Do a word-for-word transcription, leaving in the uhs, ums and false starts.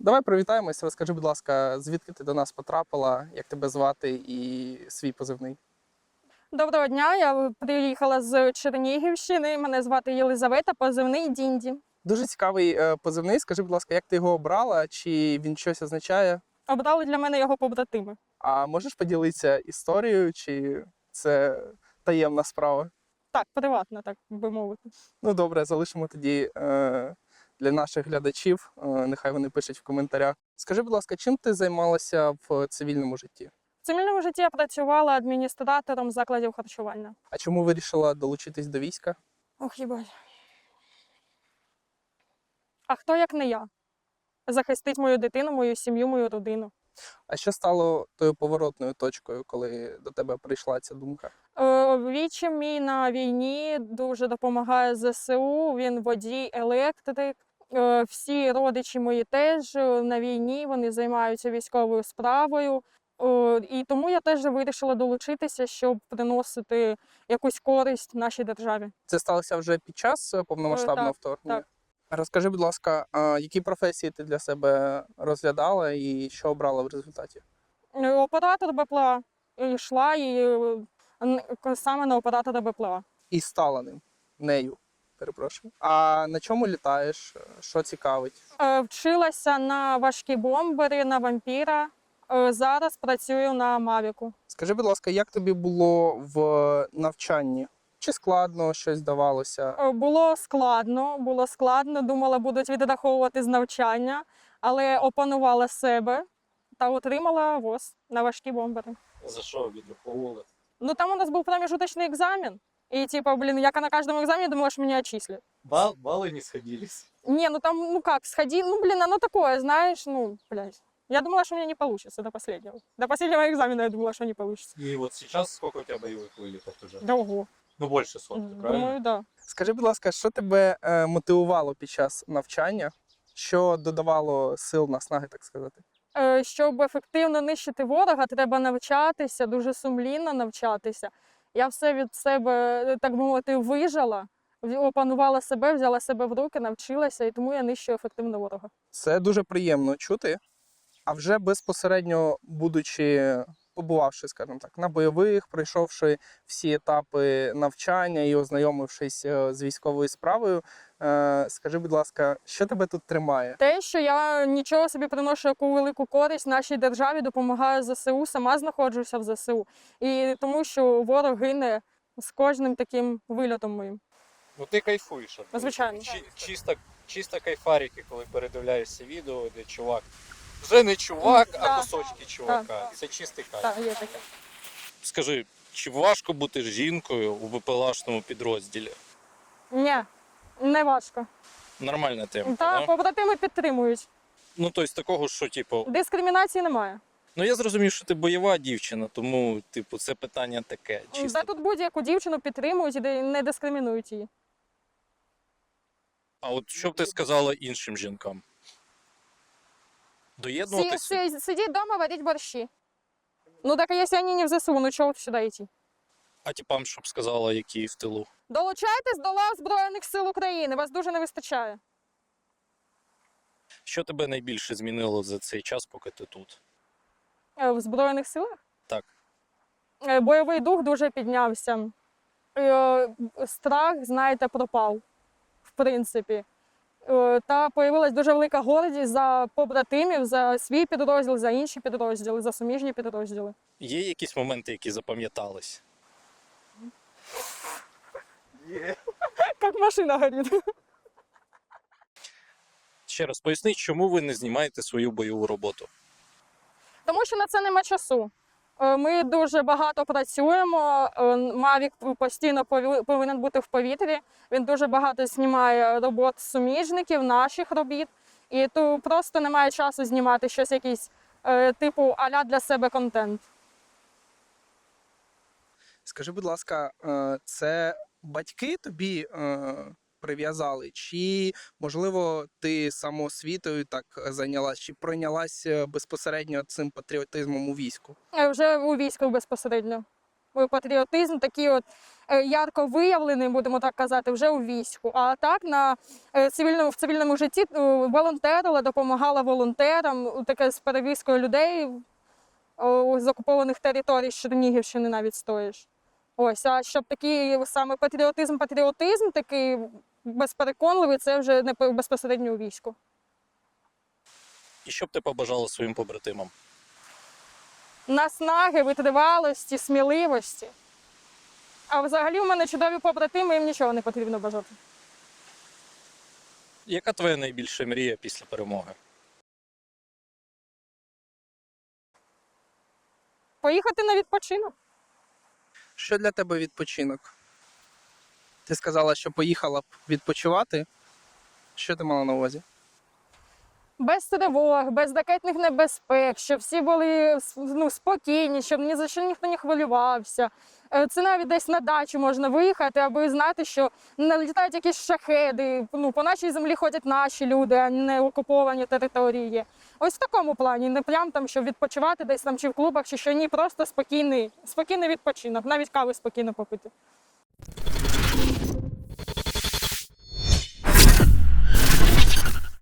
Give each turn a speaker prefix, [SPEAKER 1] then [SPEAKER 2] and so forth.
[SPEAKER 1] Давай привітаємося. Розкажи, будь ласка, звідки ти до нас потрапила, як тебе звати і свій позивний?
[SPEAKER 2] Доброго дня, я приїхала з Чернігівщини. Мене звати Єлизавета, позивний Дінді.
[SPEAKER 1] Дуже цікавий е, позивний. Скажи, будь ласка, як ти його обрала, чи він щось означає?
[SPEAKER 2] Обрали для мене його побратими.
[SPEAKER 1] А можеш поділитися історією, чи це таємна справа?
[SPEAKER 2] Так, приватно, так би мовити.
[SPEAKER 1] Ну добре, залишимо тоді е, для наших глядачів. Е, нехай вони пишуть в коментарях. Скажи, будь ласка, чим ти займалася в цивільному житті?
[SPEAKER 2] В цивільному житті я працювала адміністратором закладів харчування.
[SPEAKER 1] А чому вирішила долучитись до війська?
[SPEAKER 2] Ох, їбать. А хто, як не я? Захистить мою дитину, мою сім'ю, мою родину.
[SPEAKER 1] А що стало тою поворотною точкою, коли до тебе прийшла ця думка?
[SPEAKER 2] Е, Вічим мій на війні дуже допомагає зе се у, він водій, електрик. Е, Всі родичі мої теж е, на війні, вони займаються військовою справою. Е, І тому я теж вирішила долучитися, щоб приносити якусь користь нашій державі.
[SPEAKER 1] Це сталося вже під час е, повномасштабного
[SPEAKER 2] Е, так,
[SPEAKER 1] вторгнення?
[SPEAKER 2] так.
[SPEAKER 1] Розкажи, будь ласка, а які професії ти для себе розглядала і що обрала в результаті?
[SPEAKER 2] Е, Оператор Б П Л А йшла і е, н- саме на оператора Б П Л А.
[SPEAKER 1] І стала ним, нею, перепрошую. А на чому літаєш? Що цікавить?
[SPEAKER 2] Е, Вчилася на важкі бомбери, на вампіра. Е, Зараз працюю на Мавіку.
[SPEAKER 1] Скажи, будь ласка, як тобі було в навчанні? Чи складно щось давалося?
[SPEAKER 2] Е, Було складно, було складно. Думала, будуть відраховувати з навчання, але опанувала себе та отримала ВОЗ на важкі бомбери.
[SPEAKER 3] За що відраховували?
[SPEAKER 2] Ну там у нас був промежуточний екзамен. І типа, блін, як на кожному екзамені думала, що мене отчислят.
[SPEAKER 3] Бал, баллы не сходились.
[SPEAKER 2] Не, ну там, ну как, сходи, ну блин, оно такое, знаешь, ну, блядь. Я думала, что у меня не получится до последнего. До последнего экзамена я думала, что не получится.
[SPEAKER 3] И вот сейчас сколько у тебя боевых вылетов уже?
[SPEAKER 2] Да ого.
[SPEAKER 3] Ну, больше сотни, правильно?
[SPEAKER 2] Думаю, да.
[SPEAKER 1] Скажи, будь ласка, що тебе е, мотивувало під час навчання? Що додавало сил, наснаги, так сказати?
[SPEAKER 2] Е, Щоб ефективно нищити ворога, треба навчатися, дуже сумлінно навчатися. Я все від себе, так би мовити, вижила, в- опанувала себе, взяла себе в руки, навчилася, і тому я нищу ефективно ворога.
[SPEAKER 1] Це дуже приємно чути. А вже безпосередньо, будучи, побувавши, скажімо так, на бойових, пройшовши всі етапи навчання і ознайомившись е, з військовою справою, е, скажи, будь ласка, що тебе тут тримає?
[SPEAKER 2] Те, що я нічого собі приношу яку велику користь нашій державі, допомагаю зе се у, сама знаходжуся в зе се у. І тому, що ворог гине з кожним таким вильотом моїм.
[SPEAKER 3] Ну ти кайфуєш. от,
[SPEAKER 2] Звичайно.
[SPEAKER 3] Чи, чисто, чисто кайфарики, коли передивляєшся відео, де чувак. Вже не чувак, а
[SPEAKER 2] Так.
[SPEAKER 3] кусочки чувака. Це чистий кайф.
[SPEAKER 2] Так, є таке.
[SPEAKER 3] Скажи, чи важко бути жінкою у ВПЛАшному підрозділі?
[SPEAKER 2] Ні, не важко.
[SPEAKER 3] Нормальна тема,
[SPEAKER 2] Та
[SPEAKER 3] да?
[SPEAKER 2] побратими підтримують.
[SPEAKER 3] Ну, тобто такого, що, типу,
[SPEAKER 2] Дискримінації немає.
[SPEAKER 3] ну я зрозумів, що ти бойова дівчина, тому, типу, це питання таке. Чисто.
[SPEAKER 2] Та тут будь-яку дівчину підтримують і де- не дискримінують її.
[SPEAKER 3] А от що б ти сказала іншим жінкам?
[SPEAKER 2] Сі,
[SPEAKER 3] Доєднуватися?
[SPEAKER 2] сі, сидіть вдома, варіть борщі. Ну так, а якщо вони не в зе се у, ну чого сюди йти?
[SPEAKER 3] А типам, щоб сказала, які в тилу?
[SPEAKER 2] Долучайтесь до лав Збройних сил України, вас дуже не вистачає.
[SPEAKER 3] Що тебе найбільше змінило за цей час, поки ти тут?
[SPEAKER 2] Е, В Збройних силах?
[SPEAKER 3] Так.
[SPEAKER 2] Е, Бойовий дух дуже піднявся. Е, Страх, знаєте, пропав, в принципі. Е, Та появилась дуже велика гордість за побратимів, за свій підрозділ, за інші підрозділи, за суміжні підрозділи.
[SPEAKER 3] Є якісь моменти, які запам'ятались?
[SPEAKER 2] Як машина горить.
[SPEAKER 3] Ще раз поясни, чому ви не знімаєте свою бойову роботу?
[SPEAKER 2] Тому що на це нема часу. Е, Ми дуже багато працюємо. е, Мавік постійно пові- повинен бути в повітрі. Він дуже багато знімає робот суміжників, наших робіт. І то просто немає часу знімати щось якийсь е, типу а-ля для себе контент.
[SPEAKER 1] Скажи, будь ласка, е, це батьки тобі е, прив'язали? Чи, можливо, ти самоосвітою так зайнялась, чи пройнялась е, безпосередньо цим патріотизмом у війську?
[SPEAKER 2] Е, Вже у війську безпосередньо. е, патріотизм такий от е, ярко виявлений, будемо так казати, вже у війську. А так на е, цивільному, в цивільному житті е, волонтерила, допомагала волонтерам, таке з перевізкою людей е, з окупованих територій з Чернігівщини навіть стоїш. Ось, а щоб такий саме патріотизм, патріотизм такий безпереконливий, це вже не по- безпосередньо у війську.
[SPEAKER 3] І що б ти побажала своїм побратимам?
[SPEAKER 2] Наснаги, витривалості, сміливості. А взагалі у мене чудові побратими, їм нічого не потрібно бажати.
[SPEAKER 3] Яка твоя найбільша мрія після перемоги?
[SPEAKER 2] Поїхати на відпочинок.
[SPEAKER 1] Що для тебе відпочинок? Ти сказала, що поїхала б відпочивати. Що ти мала на увазі?
[SPEAKER 2] Без тривог, без ракетних небезпек, щоб всі були ну, спокійні, щоб ні за що ніхто не хвилювався. Е, Це навіть десь на дачу можна виїхати, аби знати, що не літають якісь шахеди, ну, по нашій землі ходять наші люди, а не окуповані території. Ось в такому плані, не прям там, щоб відпочивати десь там чи в клубах, чи що ні, просто спокійний, спокійний відпочинок, навіть кави спокійно попити.